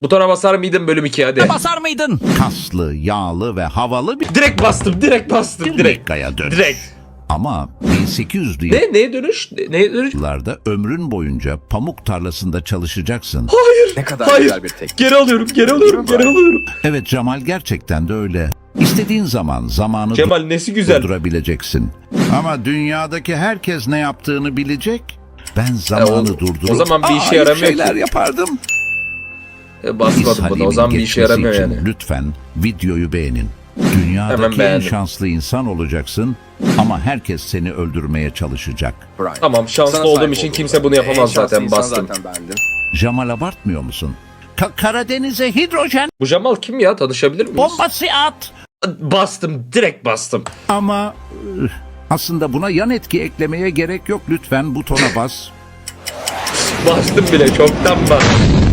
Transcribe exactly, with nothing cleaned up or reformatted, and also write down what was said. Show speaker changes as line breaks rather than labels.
Butona basar mıydın bölüm iki hadi.
Basar mıydın?
Kaslı, yağlı ve havalı bir
Direkt bastım direkt bastım direkt.
Mekka'ya dönüş.
Direkt.
Ama bin sekiz yüzlü
Ne? Neye dönüş? Ne- Neye dönüş?
yıllarda ömrün boyunca pamuk tarlasında çalışacaksın.
Hayır.
Ne kadar
Hayır.
güzel bir teknik.
Geri alıyorum geri alıyorum geri alıyorum.
Evet Cemal, gerçekten de öyle. İstediğin zaman zamanı
Cemal nesi güzel.
durdurabileceksin. Ama dünyadaki herkes ne yaptığını bilecek. Ben zamanı
E, o-
durdurup
o zaman bir işe
Aa,
yaramıyor
şeyler
ki.
yapardım.
E, basmadım bunu o
Halim'in
zaman bir işe
geçmesi
yaramıyor
için
yani.
Lütfen videoyu beğenin.
Hemen
Dünyadaki en
beğendim.
şanslı insan olacaksın ama herkes seni öldürmeye çalışacak.
Brian.
Tamam, şanslı
Sana
olduğum
sahip
için
olduğum
kimse
ben.
bunu yapamaz
En şanslı
zaten,
insan
bastım.
Zaten bendim.
Jamal, abartmıyor musun? Ka- Karadeniz'e hidrojen
Bu Cemal kim ya? Tanışabilir miyiz?
bombası at.
Bastım direkt bastım.
Ama üh, aslında buna yan etki eklemeye gerek yok. Lütfen butona bas.
Bastım bile çoktan bastım.